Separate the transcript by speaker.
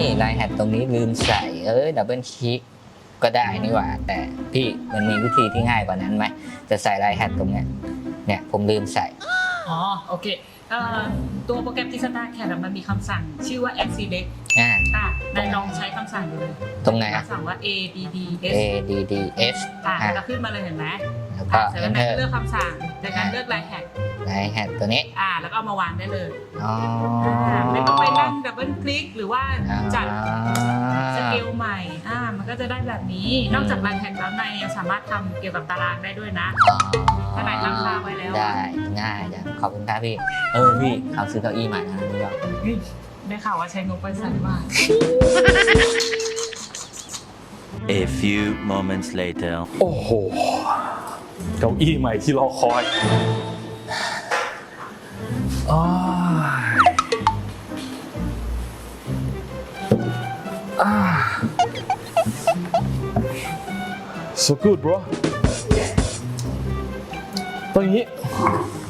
Speaker 1: ไลน์แฮดตรงนี้ลืมใส่ดับเบิลคลิกก็ได้นี่หว่าแต่พี่มันมีวิธีที่ง่ายกว่านั้นไหมจะใส่ไลน์แฮดตรงเนี้ยเนี่ยผมลืมใส่
Speaker 2: อ๋อโอเคตัวโปรแกรม Instacad มันมีคำสั่งชื่อว่า add select นายลองใช้คำสั่งดูเลย
Speaker 1: ตรงไหน
Speaker 2: คำสั่งว่า
Speaker 1: adds
Speaker 2: จะขึ้นมาเลยเห็นไหม
Speaker 1: แล้วก็
Speaker 2: เสร็จแล้วนายเลือกคำสั่งจากนั้นเลือกไลน์แฮด
Speaker 1: ตัวนี้
Speaker 2: แล้วก็เอามาวางได้เลย
Speaker 1: อ๋อ
Speaker 2: ไม่ต้องไปนั่งดับเบิลคลิกหรือว่าจัดสเกลใหม่มันก็จะได้แบบนี้นอกจากไลน์แฮดแล้วนายยังสามารถทำเกี่ยวกับตารางได้ด้วยนะถ้านายตั้งค่าไว้แล้ว
Speaker 1: ได้ง่ายจังขอบคุณครับพี่พี่เขาซื้อเก้าอี้ใหม่นะนี่ก็
Speaker 2: ได้ข่าวว่าใช้งบไปสั่นมาก
Speaker 3: A few moments later
Speaker 4: โอ้โหเก้าอี้ใหม่ที่รอคอยso good bro ตอนนี้